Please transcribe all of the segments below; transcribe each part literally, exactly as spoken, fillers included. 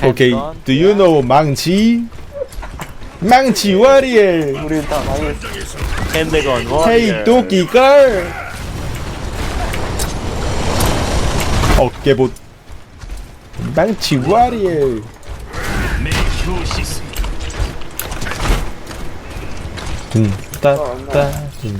오케이. Do you know 망치? 망치 워리엘. 우리 다 망했어. 핸드건 워. 헤이 도끼걸. 어깨봇. 망치 워리엘. 둠따따 둠.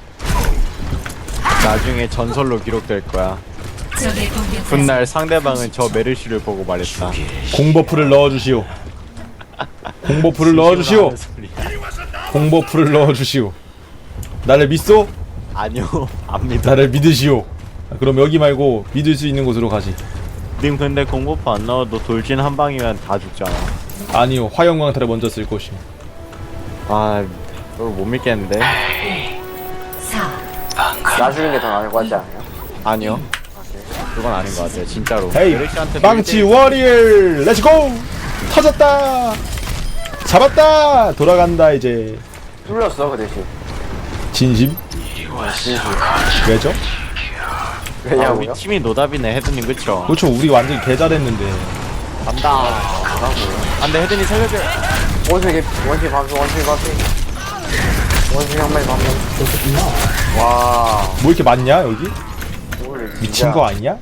나중에 전설로 기록될 거야. 적의 공격 훗날 상대방은 저 메르시를 보고 말했다. 공버프를 넣어주시오. 공버프를 넣어주시오. 공버프를 넣어주시오. 나를 믿소? 아니요, 안 믿어. 나를 믿으시오. 그럼 여기 말고 믿을 수 있는 곳으로 가지. 님 근데 공고파 안 넣어도 돌진 한 방이면 다 죽잖아. 아니요, 화영광탈을 먼저 쓸 것이오. 아, 이걸 못 믿겠는데? 사 놔주는 게 더 나을 것 같지 않아요? 아니요. 그건 아닌 것 같아요, 진짜로. 헤이, 메르시한테 망치 밀 때- 워리엘, 렛츠고! 터졌다! 잡았다! 돌아간다 이제. 뚫렸어 그 대신. 진심? 왜죠? 아, 우리 왜냐고요? 팀이 노답이네, 헤드님 그쵸? 그렇죠, 우리 완전 개잘했는데. 간다. 안돼, 헤드님 살려줘. 원숭이 원숭이 밤새 원숭이 밤새. 원숭이 한 마리 밤새. 와. 뭐 이렇게 많냐 여기? 오늘 진짜. 미친 거 아니야?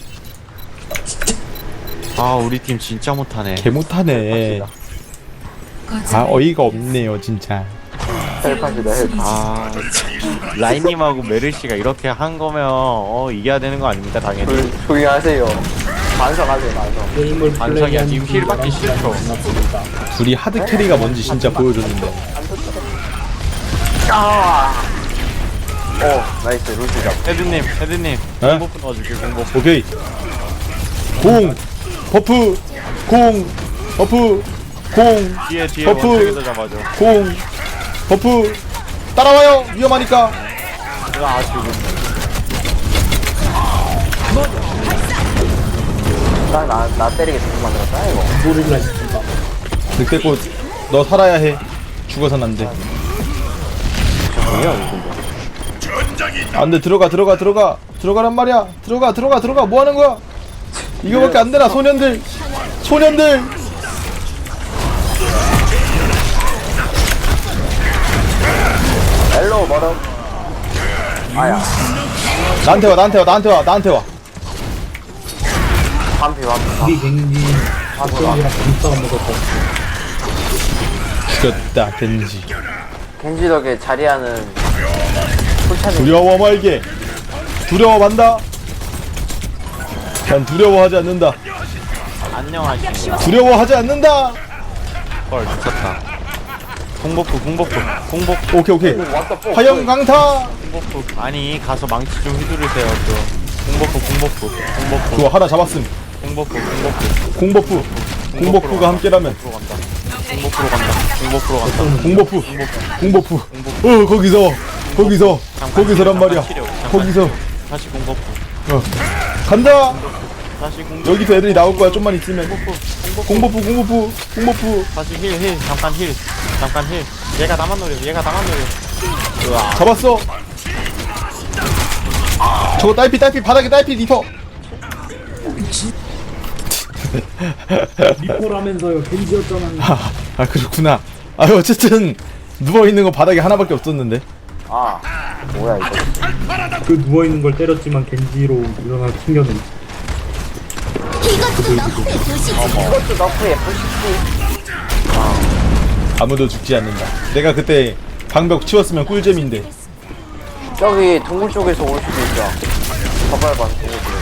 아, 우리 팀 진짜 못하네. 개 못하네. 아 어이가 없네요 진짜. 헬팟이다 헬팟. 아, 라인님하고 메르시가 이렇게 한 거면 어 이겨야 되는 거 아닙니까 당연히. 조용히 조용히 하세요. 반성하세요 반성. 게임을 반성이야, 지금 힐 받기 싫죠. 둘이 하드 캐리가 뭔지 진짜 보여줬는데. 아. 오 나이스 루시 잡. 헤드님, 헤드님, 에? 공버프 넣어줄게, 공버프. 오케이. 공 버프 공 버프 공 뒤에 뒤에 버프. 원숭이도 잡아줘. 공 버프 따라와요 위험하니까. 아, 지금 딱나 나 때리게 계속 만들었다 이거. 고릴라 싶은가. 늑대꽃 너 살아야 해. 죽어선 안돼. 안돼. 들어가 들어가 들어가 들어가란 말이야. 들어가 들어가 들어가 뭐하는 거야. 이거밖에 안 되나. 소년들 소년들. 엘로 멀어. 아야. 나한테 와 나한테 와 나한테 와 나한테 와. 반피 반피. 우리 갱지 박정이랑 김싸가 먹어서 죽였다 겐지. 겐지 덕에 자리하는 풀차는 두려워 말게. 두려워 만다. 난 두려워하지 않는다. 안녕하십니까. 두려워하지 않는다. 헐, 미쳤다. 공버프, 공버프, 공버프, 오케이 오케이. 왔다 뽀. 화영 강타. 공버프. 아니, 가서 망치 좀 휘두르세요, 좀. 공버프, 공버프, 공버프, 좋아 하나 잡았음. 공버프, 공버프. 공버프. 공버프가 함께라면. 공버프로 간다. 공버프로 간다. 공버프. 공버프. 어 거기서 거기서 거기서란 말이야. 거기서 다시 공버프. 어 간다. 다시 공버프. 여기서 애들이 나올 거야. 좀만 있으면. 공버프 공버프 공버프. 다시 힐, 힐. 잠깐 힐. 잠깐 힐. 얘가 나만 노려. 얘가 나만 노려. 으아. 잡았어. 저거 딸피 딸피 바닥에 딸피 리퍼. 리포라면서요. 갱지였잖아요. 아, 아 그렇구나. 아 어쨌든 누워 있는 거 바닥에 하나밖에 없었는데. 아 뭐야 이거. 그 누워있는 걸 때렸지만 갱지로 일어나 튕겨낸 이것도 너프 에프시티. 아무도 죽지 않는다. 내가 그때 방벽 치웠으면 꿀잼인데. 저기 동굴 쪽에서 올 수도 있죠. 저발반 동굴 쪽에서.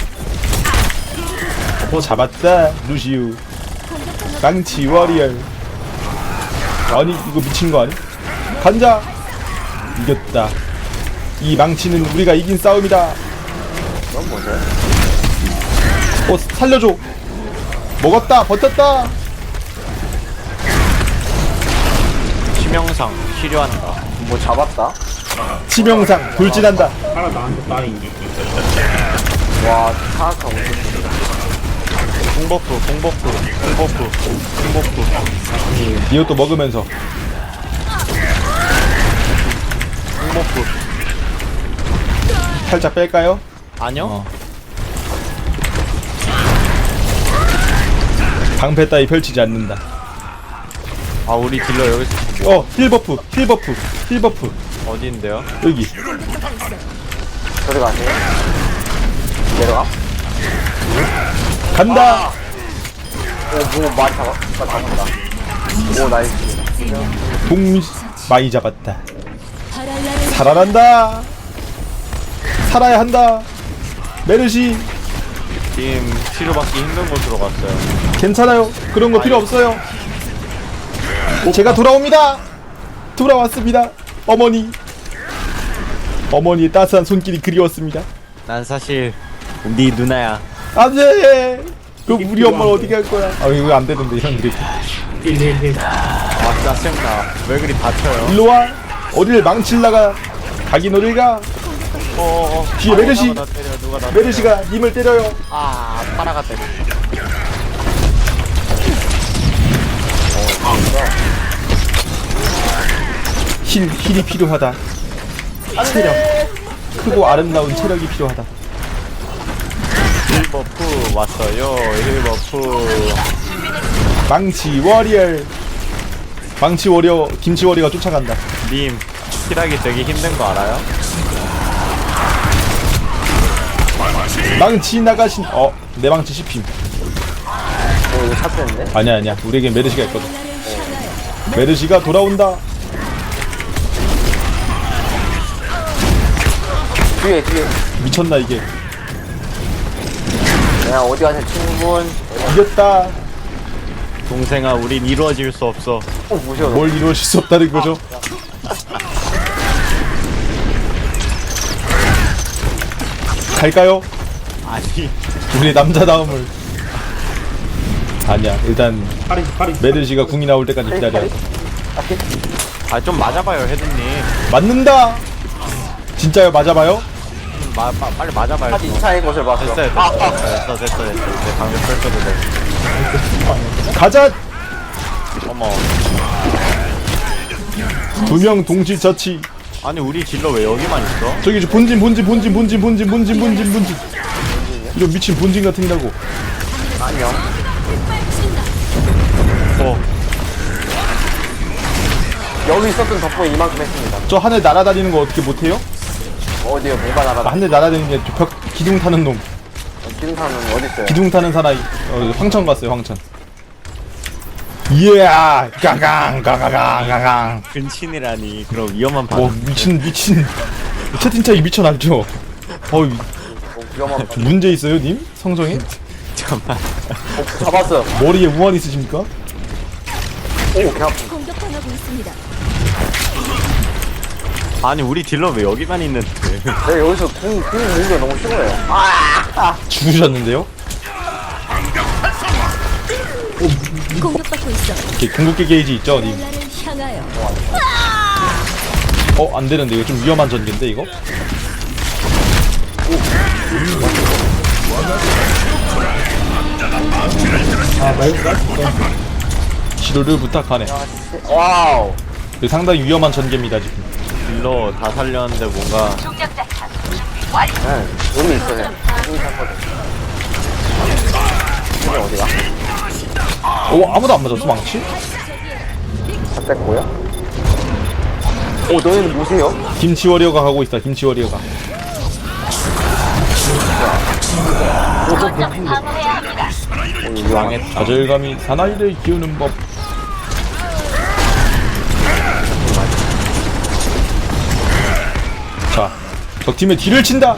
어 잡았다 루시우. 망치 워리얼. 아니 이거 미친 거 아니? 간자. 이겼다. 이 망치는 우리가 이긴 싸움이다. 그건 뭐죠? 어 살려줘. 먹었다 버텼다. 치명상 치료한다. 뭐 잡았다? 치명상 돌진한다. 하나 나한테 따인 와 사악한 우승. 공버프, 공버프, 공버프, 공버프, 이것도 먹으면서. 공버프. 살짝 뺄까요? 아니요? 어. 방패 따위 펼치지 않는다. 아 우리 딜러 여기서 어, 힐 버프, 힐 버프, 힐 버프. 어디인데요? 여기. 저리 가세요. 내려가. 간다. 오, 뭐 많이 잡아. 잡았다. 오, 나이스. 동 많이 잡았다. 살아난다. 살아야 한다. 메르시 지금 치료받기 힘든 곳으로 갔어요. 괜찮아요. 그런 거 필요 없어요. 제가 돌아옵니다. 돌아왔습니다. 어머니. 어머니의 따스한 손길이 그리웠습니다. 난 사실 네 누나야. 안돼. 그 우리 엄마 어디 갈 거야? 아 이거 안 되는데 이런 게. 일일일. 아 짜증나. 왜 그리 다쳐요? 일로 와. 어딜 망칠라가 가긴 어딜 가. 어어. 뒤에 메르시. 누가 나 때려? 누가 나 때려? 메르시가 님을 때려요. 아 파라가 때려. 힐 힐이 필요하다. 체력. 크고 아름다운 체력이 필요하다. 힐버프 왔어요. 힐버프. 망치 워리어. 망치 워리어 김치 워리어가 쫓아간다. 님 힐하기 되게 힘든 거 알아요? 망치 나가신. 어, 내 망치 씹힘. 오, 이거 찼는데? 아니야 아니야. 우리에게 메르시가 있거든. 메르시가 돌아온다. 뒤에, 뒤에. 미쳤나 이게. 야, 어디 가세요, 친구분? 이겼다. 동생아 우린 이루어질 수 없어. 어, 무시워. 뭘 이루어질 수 없다는 거죠. 갈까요? 아니 우리의 남자다움을. 아니야. 일단 파리 파리. 메르시가 궁이 나올 때까지 기다려. 아 좀 맞아봐요 헤드님. 맞는다. 진짜요? 맞아봐요? 마, 마, 빨리 맞아봐요. 하지 이차의 것을 봤어. 됐어요 됐어 됐어 됐어 됐어 됐어 이제 방금 펼쳐도 돼. 가자. 어머 두 명 동시 처치. 아니 우리 딜러 왜 여기만 있어? 저기 저 본진 본진 본진 본진 본진 본진 본진 본진. 이런 미친 본진 같은다고. 안녕. 어 여기 있었던 덕분에 이만큼 했습니다. 저 하늘 날아다니는 거 어떻게 못해요? 어디요? 뭐가 나가다. 하늘 날아다니는 게 벽 기둥 타는 놈. 기둥사는 어딨어요? 기둥 타는 사나이. 어, 황천 갔어요 황천. 이야 가강 가가강 가강. 근친이라니 그럼 위험한 뭐 반응. 미친 미친 채팅창이 미쳐났죠. 어이 어, 위험한 거. 문제 있어요 님? 성정에? 잠깐만. 어, 잡았어요. 머리에 우환 있으십니까? 오, 개 아프. 공격당하고 있습니다. 아니 우리 딜러 왜 여기만 있는데? 내가 여기서 궁, 궁 모으는 게 너무 싫어요. 죽으셨는데요? 공격받고 있어. 이렇게 궁극기 게이지 있죠 님? 나를 향하여. 어 안되는데 이거 좀 위험한 전개인데 이거? 아 말가? 치료를 부탁하네. 와우. 이거 상당히 위험한 전개입니다 지금. 딜러 다 살렸는데 뭔가 네, 의미 있어요. 궁 샀거든. 이게 어디가? 어 아무도 안 맞았어 망치? 다 뺐고요. 오, 너희는 뭐세요? 김치 워리어가 가고 있다 김치 워리어가. 망했다. 좌절감이 사나이를 키우는 법. 자, 적팀의 뒤를 친다.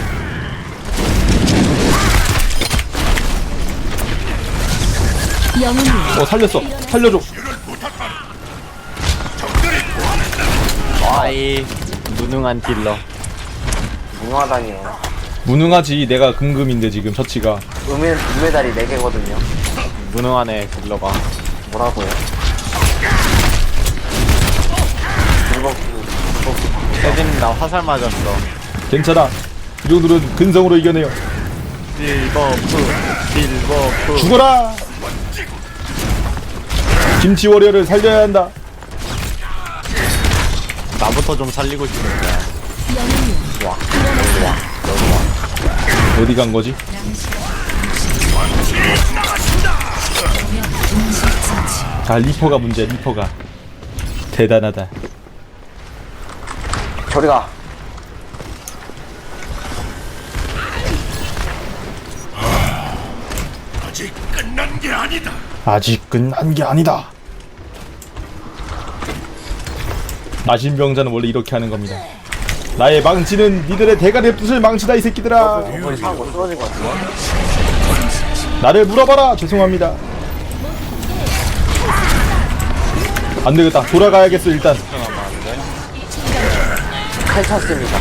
영웅이 어 살렸어. 살려줘. 아이 무능한 딜러. 무능하다니요. 무능하지. 내가 금금인데 지금 처치가. 음메, 음메달이 네 개거든요. 무능하네 딜러가. 뭐라고요? 일본 헤드님 나 화살 맞았어. 괜찮아. 이 정도는 근성으로 이겨내요. 딜버프 딜버프. 죽어라. 김치 워리어를 살려야 한다. 나부터 좀 살리고 싶은데. 어디 간 거지? 아 리퍼가 문제야 리퍼가. 대단하다. 저리가. 아직 끝난 게 아니다. 나신병자는 원래 이렇게 하는 겁니다. 나의 망치는 니들의 대가리의 뜻을 망치다 이 새끼들아. 어머니 사고 쓰러진 것 같아. 나를 물어봐라. 죄송합니다. 안 되겠다. 돌아가야겠어 일단. 칼 찼습니다.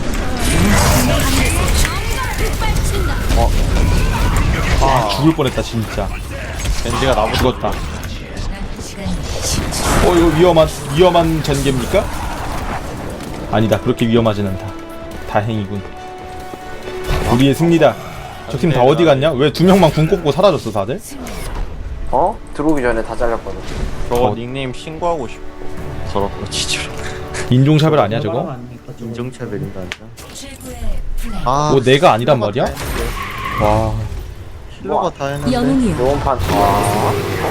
아 죽을 뻔했다 진짜. 겐지가 나보고 죽었다. 어 이거 위험한 위험한 전개입니까? 아니다. 그렇게 위험하진 않다. 다행이군. 우리의 승리다. 저 팀 다 어디 갔냐? 왜 두 명만 궁 꽂고 사라졌어 다들? 어? 들어오기 전에 다 잘렸거든. 저거 어. 닉네임 신고하고 싶어. 더럽고 지지로. 인종차별 아니야 저거? 아닙니까, 저거? 인종차별인가 아니야? 최고의 플레이. 아, 뭐 내가 아니란 말이야? 와 힐러가 다 했는데. 영웅이요. 요원판. 와.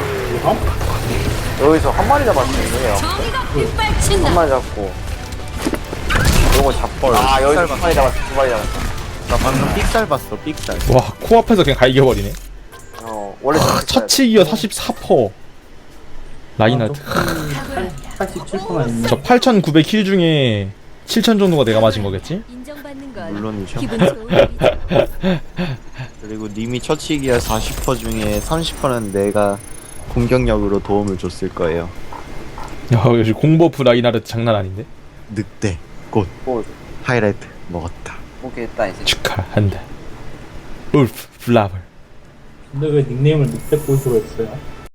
여기서 한 마리 잡았는데요. 정의가 빗발친다. 한 마리 잡고. 요거 잡벌. 아 여기서 두 마리 잡았어. 두 마리 잡았어. 나 방금 삑살 봤어, 삑살. 와, 코앞에서 그냥 갈겨버리네. 어 원래 아, 처치기어 사십사 퍼센트. 라인하드. 팔십칠 퍼센트만 있네. 저 팔천구백 킬 중에 칠천 정도가 내가 맞은 거겠지? 인정받는 건 물론이죠. 기분 좋은 일이죠. 그리고 님이 처치기에 사십 퍼센트 중에 삼십 퍼센트는 내가 공격력으로 도움을 줬을 거예요. 야, 역시 공버프 라인하드 장난 아닌데? 늑대, 꽃, 뭐 하이라이트 먹었다. 보겠다 이제. 축하한다. 울프 블라블. 근데 왜 닉네임을 늑대꽃으로 했어요?